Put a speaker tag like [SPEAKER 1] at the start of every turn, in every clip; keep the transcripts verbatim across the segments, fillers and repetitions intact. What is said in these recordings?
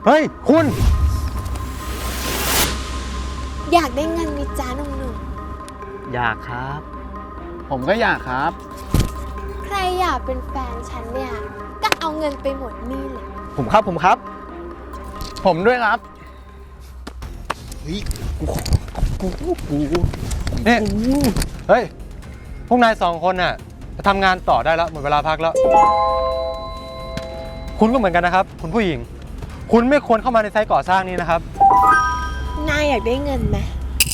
[SPEAKER 1] เฮ้ยคุณ
[SPEAKER 2] อยากได้เงินมิจ้าหนุ่ม
[SPEAKER 1] ๆอยากครับ
[SPEAKER 3] ผมก็อยากครับ
[SPEAKER 2] ๆใครอยากเป็นแฟนฉันเนี่ยก็เอาเงินไปหมดนี่เลย
[SPEAKER 1] ผมครับผมครับ
[SPEAKER 3] ผมด้วยครับ
[SPEAKER 1] เฮ้ยกูกูกูเนี่ยเฮ้ยพวกนายสองคนน่ะจะทำงานต่อได้แล้วหมดเวลาพักแล้วคุณก็เหมือนกันนะครับคุณผู้หญิงคุณไม่ควรเข้ามาในไซต์ก่อสร้างนี้นะครับ
[SPEAKER 2] นายอยากได้เงินไหม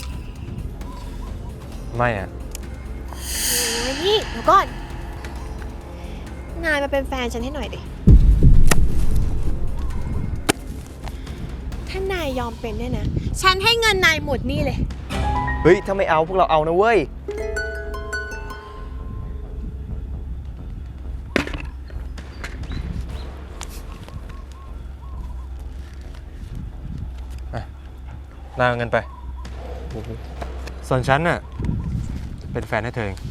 [SPEAKER 1] ไม่อะ
[SPEAKER 2] นี่เดี๋ยวก่อนนายมาเป็นแฟนฉันให้หน่อยดิถ้านายยอมเป็นเนี่ยนะฉันให้เงินนายหมดนี่เลย
[SPEAKER 1] เฮ้ยถ้าไม่เอาพวกเราเอานะเว้ยนายเอาเงินไปส่วนฉันน่ะเป็นแฟนให้เธอเอง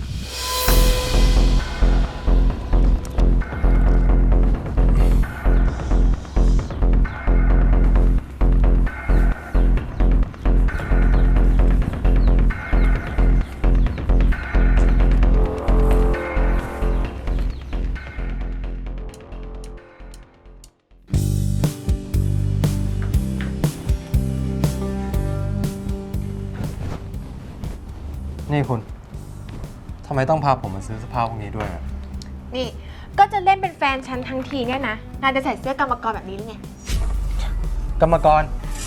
[SPEAKER 1] นี่คุณทำไมต้องพาผมมาซื้อเสื้อผ้าพวกนี้ด้วยอะ
[SPEAKER 2] นี่ก็จะเล่นเป็นแฟนฉันทั้งทีเนี่ยนะนายจะใส่เสื้อกรรมกรแบบนี้หรือไง
[SPEAKER 1] กรรมกร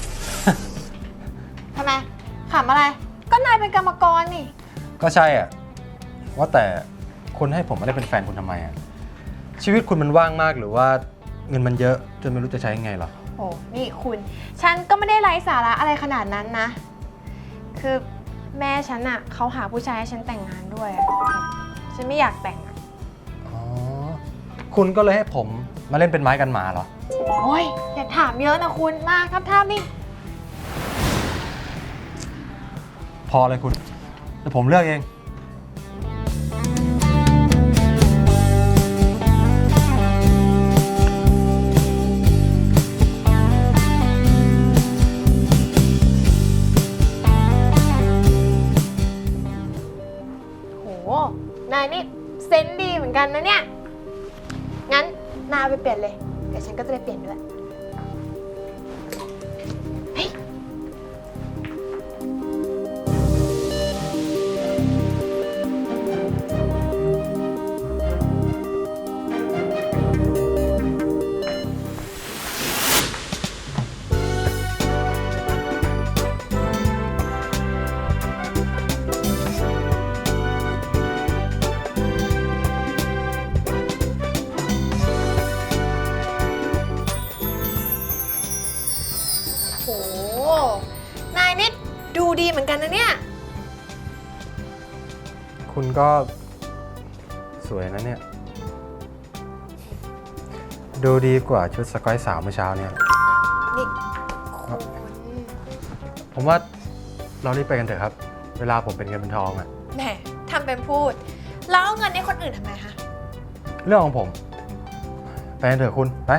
[SPEAKER 2] ทำไมขำอะไรก็นายเป็นกรรมกรนี่
[SPEAKER 1] ก็ใช่อ่ะว่าแต่คุณให้ผมมาได้เป็นแฟนคุณทำไมอ่ะชีวิตคุณมันว่างมากหรือว่าเงินมันเยอะจนไม่รู้จะใช้ยังไงหรอ
[SPEAKER 2] โอ้นี่คุณฉันก็ไม่ได้ไร้สาระอะไรขนาดนั้นนะคือแม่ฉันอะเขาหาผู้ชายให้ฉันแต่งงานด้วยฉันไม่อยากแต่งอะ
[SPEAKER 1] อ๋อคุณก็เลยให้ผมมาเล่นเป็นไม้กันหมาเหรอ
[SPEAKER 2] โอ้ยอย่าถามเยอะนะคุณมาครับท่านี่
[SPEAKER 1] พอเลยคุณเดี๋ยวผมเลือกเอง
[SPEAKER 2] นายนี่เซนส์ดีเหมือนกันนะเนี่ยงั้นนายไปเปลี่ยนเลยเดี๋ยวฉันก็จะไปเปลี่ยนด้วยเฮ้ยโอ้นายนี่ดูดีเหมือนกันนะเนี่ย
[SPEAKER 1] คุณก็สวยนะเนี่ยดูดีกว่าชุดสกอยสาวเมื่อเช้าเนี่ย
[SPEAKER 2] นี่คุณ
[SPEAKER 1] ผมว่าเรารีบไปกันเถอะครับเวลาผมเป็นเงินเป็นทองอะ
[SPEAKER 2] แหมทำเป็นพูดแล้วเอาเงินให้คนอื่นทำไมคะ
[SPEAKER 1] เรื่องของผมไปกันเถอะคุณไป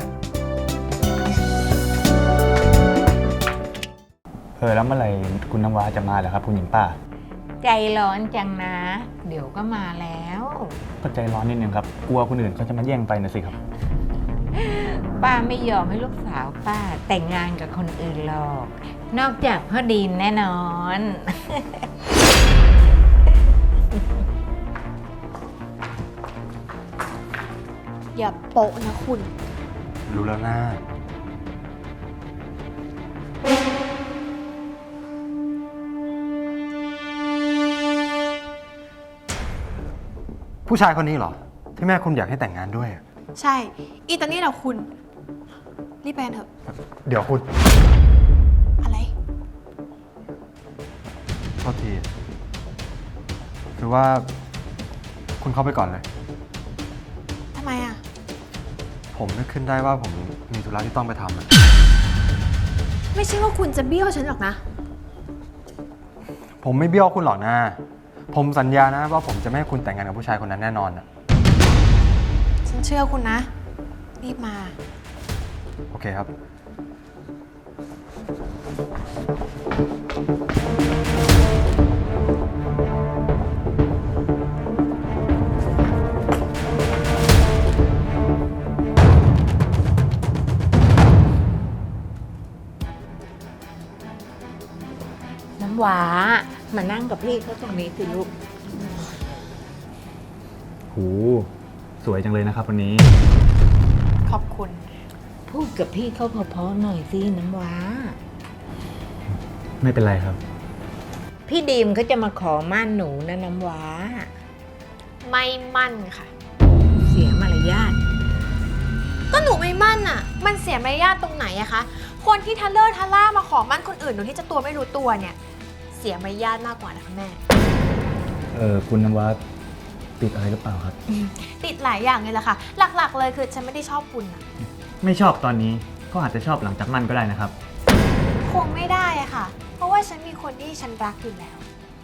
[SPEAKER 3] เออแล้วเมื่อไหร่คุณน้ำว้าจะมาเหรอครับคุณหญิงป้า
[SPEAKER 4] ใจร้อนจังนะ เดี๋ยวก็มาแล้ว
[SPEAKER 3] ก็ใจร้อนนิดนึงครับกลัวคนอื่นเขาจะมาแย่งไปนะสิครับ
[SPEAKER 4] ป้าไม่ยอมให้ลูกสาวป้าแต่งงานกับคนอื่นหรอกนอกจากพ่อดินแน่นอน
[SPEAKER 2] อย่าโปะนะคุณ
[SPEAKER 1] รู้แล้วนะผู้ชายคนนี้เหรอที่แม่คุณอยากให้แต่งงานด้วย
[SPEAKER 2] ใช่อีตอนนี้เราคุณรีบไปเถอะ
[SPEAKER 1] เดี๋ยวคุณ
[SPEAKER 2] อะไร
[SPEAKER 1] โทษทีคือว่าคุณเข้าไปก่อนเลย
[SPEAKER 2] ทำไมอ่ะ
[SPEAKER 1] ผมนึกขึ้นได้ว่าผมมีธุระที่ต้องไปทำอะ
[SPEAKER 2] ไม่ใช่ว่าคุณจะเบี้ยวฉันหรอกนะ
[SPEAKER 1] ผมไม่เบี้ยวคุณหรอกนะผมสัญญานะว่าผมจะไม่ให้คุณแต่งงานกับผู้ชายคนนั้นแน่นอนอะ
[SPEAKER 2] ฉันเชื่อคุณนะรีบมา
[SPEAKER 1] โอเคครับ
[SPEAKER 4] น้ำหวามานั่งกับพี่เขาตรงนี้สิลูก
[SPEAKER 3] หูสวยจังเลยนะครับวันนี้
[SPEAKER 2] ขอบคุณ
[SPEAKER 4] พูดกับพี่เขาเพอๆหน่อยสิน้ำหวา
[SPEAKER 3] ไม่เป็นไรครับ
[SPEAKER 4] พี่ดีมเขาจะมาขอมั่นหนูนะน้ำหวา
[SPEAKER 2] ไม่มั่นค่ะ
[SPEAKER 4] เสียมารยาท
[SPEAKER 2] ก็หนูไม่มั่นอ่ะ มันเสียมารยาทตรงไหนอะคะ คนที่ทะเลอร์ทะล่ามาขอมั่นคนอื่นโดยที่เจะตัวไม่รู้ตัวเนี่ย เสียมารยาทมากกว่านะคะแม่
[SPEAKER 3] เออคุณนวัดติดอะไรหรือเปล่าครับ
[SPEAKER 2] ติดหลายอย่างเลยล่ะค่ะ หลักๆ เลยคือฉันไม่ได้ชอบคุณอะ
[SPEAKER 3] ไม่ชอบตอนนี้ก็อาจจะชอบหลังจากมั่นก็ได้นะครับ
[SPEAKER 2] คงไม่ได้อะค่ะ เพราะว่าฉันมีคนที่ฉันรักอยู่แล้ว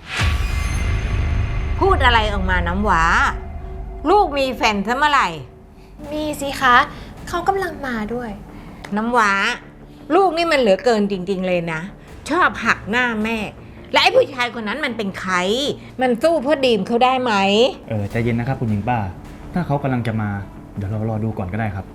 [SPEAKER 4] พูดอะไรออกมาน้ำหวา ลูกมีแฟนซะเมื่อไหร่
[SPEAKER 2] มีสิคะ เขากำลังมาด้วย
[SPEAKER 4] น้ำหวา ลูกนี่มันเหลือเกินจริง ๆ เลยนะ ชอบหักหน้าแม่ และไอ้ผู้ชายคนนั้นมันเป็นใคร มันสู้พ่อดีมเขาได้ไหม
[SPEAKER 3] เออใจเย็นนะครับคุณหญิงป้า ถ้าเขากำลังจะมา เดี๋ยวเรารอดูก่อนก็ได้ครับ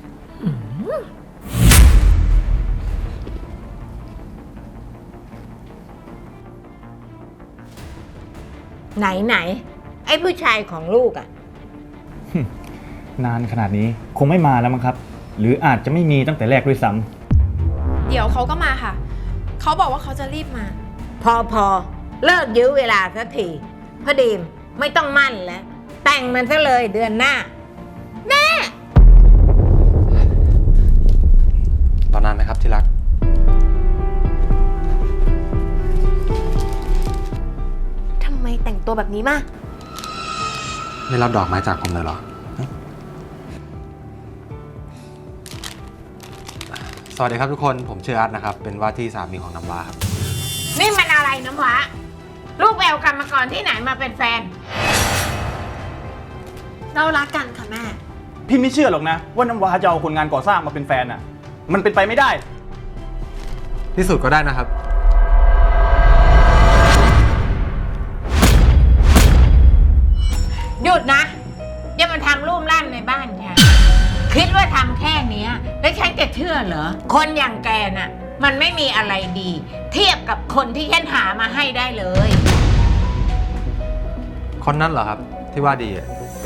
[SPEAKER 4] ไหนไหนๆไอ้ผู้ชายของลูกอะ
[SPEAKER 3] นานขนาดนี้คงไม่มาแล้วมั้งครับ หรืออาจจะไม่มีตั้งแต่แรกด้วยซ้ำ
[SPEAKER 2] เดี๋ยวเขาก็มาค่ะ เขาบอกว่าเขาจะรีบมา
[SPEAKER 4] พอพอเลิกยื้อเวลาสักทีพ่อดีมไม่ต้องมั่นแล้ว แต่งมันซะเลยเดือนหน้า
[SPEAKER 1] ตอนนั้นไหมครับที่รัก
[SPEAKER 2] ทำไมแต่งตัวแบบนี้มา
[SPEAKER 1] ไม่รับดอกไม้จากผมเลยเหรอ สวัสดีครับทุกคน ผมชื่ออาร์ตนะครับ เป็นว่าที่สามีของน้ำว้าครับ
[SPEAKER 4] นี่มันอะไรน้ำหวาลูกแววกรรมกรที่ไหนมาเป็นแฟน
[SPEAKER 2] เรารักกันค่ะแม่
[SPEAKER 5] พี่ไม่เชื่อหรอกนะว่าน้ำว้าจะเอาคนงานก่อสร้างมาเป็นแฟนอ่ะ มันเป็นไปไม่ได้
[SPEAKER 1] พิสูจน์ก็ได้นะครับ
[SPEAKER 4] หยุดนะอย่ามาทำรูปร่านในบ้านฉันคิดว่าทำแค่เนี้ยแล้วฉันจะเชื่อเหรอ คนอย่างแกน่ะ มันไม่มีอะไรดี เทียบกับคนที่ฉันหามาให้ได้เลย
[SPEAKER 1] คนนั้นเหรอครับ ที่ว่าดีอะ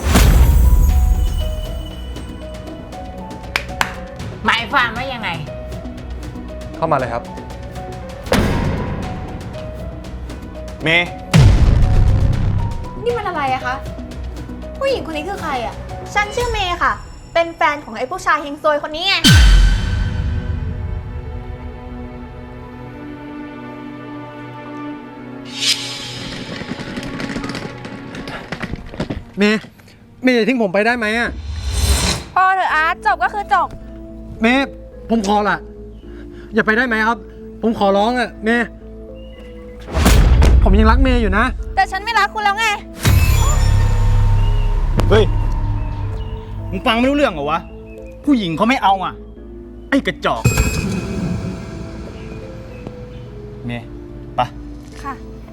[SPEAKER 4] หมายความว่ายังไง
[SPEAKER 1] เข้ามาเลยครับ
[SPEAKER 5] เมย์
[SPEAKER 2] นี่มันอะไรอะคะ ผู้หญิงคนนี้คือใครอะฉันชื่อเมย์ค่ะ เป็นแฟนของไอ้ผู้ชายเฮงซวยคนนี้ไง
[SPEAKER 1] เมย์เมย์อย่าทิ้งผมไปได้ไหมอะ
[SPEAKER 2] พอเถอะอาร์ตจบก็คือจบ
[SPEAKER 1] เมย์ผมขอละอย่าไปได้ไหมครับ ผมขอร้องอะเมย์ผมยังรักเมย์อยู่นะ
[SPEAKER 2] แต่ฉันไม่รักคุณแล้วไง
[SPEAKER 5] เฮ้ย มึงฟังไม่รู้เรื่องเหรอวะ ผู้หญิงเขาไม่เอาอ่ะ ไอ้กระจอก เมย์ไปะ
[SPEAKER 2] ค่ะ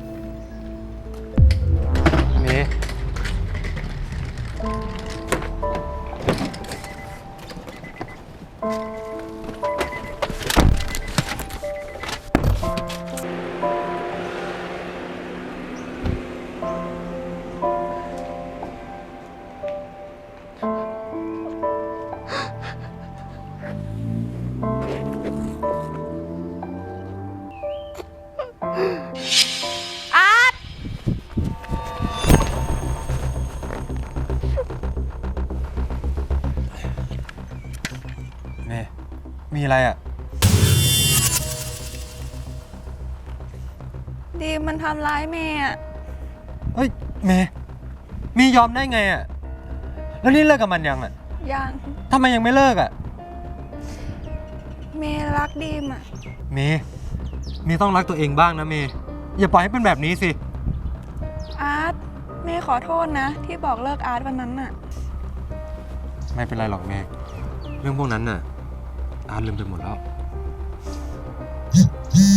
[SPEAKER 1] เมย์
[SPEAKER 2] อาร์ต
[SPEAKER 1] เมย์มีอะไรอะ
[SPEAKER 6] ดีมมันทำร้ายเมย์อะ
[SPEAKER 1] เฮ้ยเมย์เมย์ยอมได้ไงอะแล้วนี่เลิกกับมันยังอะ
[SPEAKER 6] ยัง
[SPEAKER 1] ทำไมยังไม่เลิกอะ
[SPEAKER 6] เมย์รักดีมอะ
[SPEAKER 1] เมย์เมย์ต้องรักตัวเองบ้างนะเมย์อย่าปล่อยให้เป็นแบบนี้สิ
[SPEAKER 6] อาร์ตเมย์ขอโทษนะ ที่บอกเลิกอาร์ตวันนั้นอะ
[SPEAKER 1] ไม่เป็นไรหรอกเมย์เรื่องพวกนั้นน่ะอาร์ตลืมไปหมดแล้ว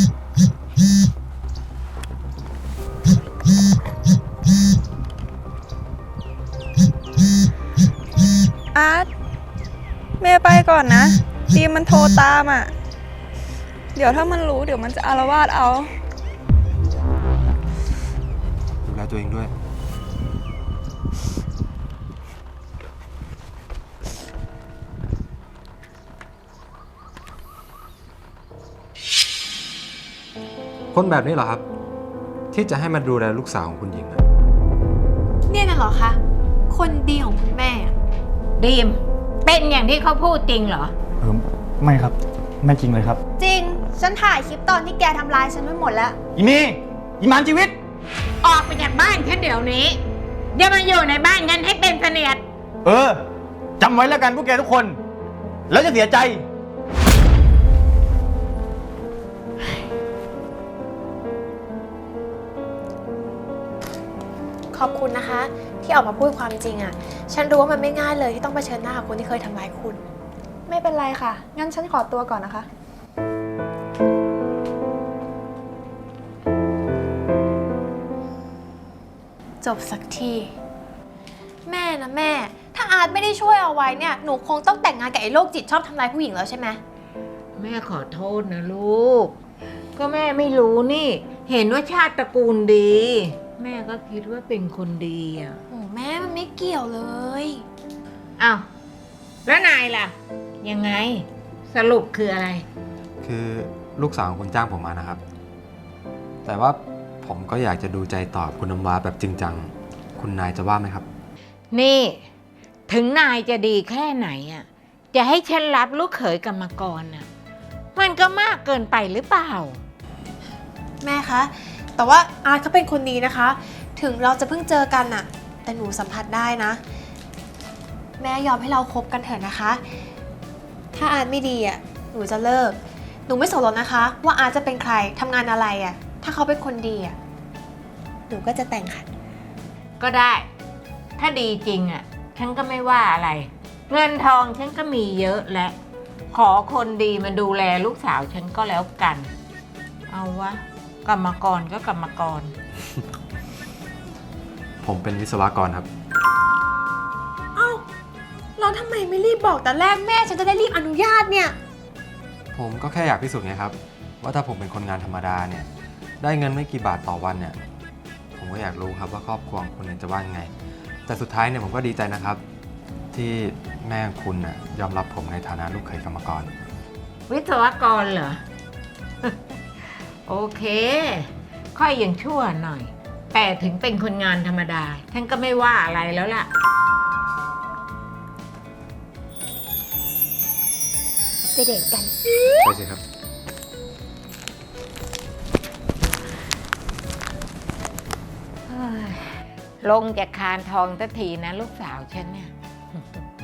[SPEAKER 6] อาร์ตแม่ไปก่อนนะดีมมันโทรตามอ่ะ เดี๋ยวถ้ามันรู้เดี๋ยวมันจะอาละวาดเอา
[SPEAKER 1] ดูแลตัวเองด้วย คนแบบนี้เหรอครับ ที่จะให้มาดูแลลูกสาวของคุณหญิงนะ
[SPEAKER 2] เนี่ยน่ะเหรอคะ คนดีของคุณแม่อะ
[SPEAKER 4] ดีม เป็นอย่างที่เขาพูดจริงเหรอ
[SPEAKER 3] เออไม่ครับ ไม่จริงเลยครับ
[SPEAKER 7] จริง ฉันถ่ายคลิปตอนที่แกทำร้ายฉันไว้หมดแล้ว
[SPEAKER 5] อีเมย์อีมานชีวิต
[SPEAKER 4] ออกไปจากบ้านฉันเดี๋ยวนี้อย่ามาอยู่ในบ้านฉันให้เป็นเสนียด
[SPEAKER 5] เออจำไว้แล้วกันพวกแกทุกคน แล้วจะเสียใจ
[SPEAKER 2] ขอบคุณนะคะ ที่ออกมาพูดความจริงอะฉันรู้ว่ามันไม่ง่ายเลยที่ต้องเผชิญหน้ากับคนที่เคยทำร้ายคุณ
[SPEAKER 6] ไม่เป็นไรค่ะ งั้นฉันขอตัวก่อนนะคะ
[SPEAKER 2] จบสักที แม่นะแม่ ถ้าอาร์ตไม่ได้ช่วยเอาไว้เนี่ย หนูคงต้องแต่งงานกับไอ้โรคจิตชอบทำร้ายผู้หญิงแล้วใช่ไหม
[SPEAKER 4] แม่ขอโทษนะลูก ก็แม่ไม่รู้นี่ เห็นว่าชาติตระกูลดี แม่ก็คิดว่าเป็นคนดีอ่ะ
[SPEAKER 2] โอ้แม่มันไม่เกี่ยวเลย
[SPEAKER 4] อ้าวแล้วนายล่ะ ยังไง สรุปคืออะไร
[SPEAKER 1] คือลูกสาวของคุณจ้างผมมานะครับ แต่ว่าผมก็อยากจะดูใจตอบคุณน้ำว้าแบบจริงจัง คุณนายจะว่าไหมครับ
[SPEAKER 4] นี่ ถึงนายจะดีแค่ไหนอ่ะ จะให้ฉันรับลูกเขยกรรมกรน่ะ มันก็มากเกินไปหรือเปล่า
[SPEAKER 2] แม่คะ แต่ว่าอาร์ตเขาเป็นคนดีนะคะ ถึงเราจะเพิ่งเจอกันน่ะ แต่หนูสัมผัสได้นะ แม่ยอมให้เราคบกันเถอะนะคะ ถ้าอาร์ตไม่ดีอ่ะ หนูจะเลิก หนูไม่สนหรอกนะคะ ว่าอาร์ตจะเป็นใครทำงานอะไรอ่ะ ถ้าเขาเป็นคนดีอ่ะ หนูก็จะแต่งค่ะ
[SPEAKER 4] ก็ได้ ถ้าดีจริงอ่ะ ฉันก็ไม่ว่าอะไร เงินทองฉันก็มีเยอะและ ขอคนดีมาดูแลลูกสาวฉันก็แล้วกัน เอาวะ กรรมกรก็กรรมกร
[SPEAKER 1] ผมเป็นวิศวกรครับ
[SPEAKER 2] เราทำไมไม่รีบบอกแต่แรกแม่ฉันจะได้รีบอนุญาตเนี่ย
[SPEAKER 1] ผมก็แค่อยากพิสูจน์ไงครับ ว่าถ้าผมเป็นคนงานธรรมดาเนี่ย ได้เงินไม่กี่บาทต่อวันเนี่ย ผมก็อยากรู้ครับว่าครอบครัวของคุณเนี่ยจะว่ายังไง แต่สุดท้ายเนี่ยผมก็ดีใจนะครับ ที่แม่ของคุณน่ะยอมรับผมในฐานะลูกเขยกรรมกร
[SPEAKER 4] วิศวกรเหรอ โอเค ค่อยยังชั่วหน่อย แต่ถึงเป็นคนงานธรรมดา ฉันก็ไม่ว่าอะไรแล้วล่ะ
[SPEAKER 2] ไปเดทกัน
[SPEAKER 1] ไปสิครับ
[SPEAKER 4] ลงจากคานทองสักทีนะลูกสาวฉันเนี่ย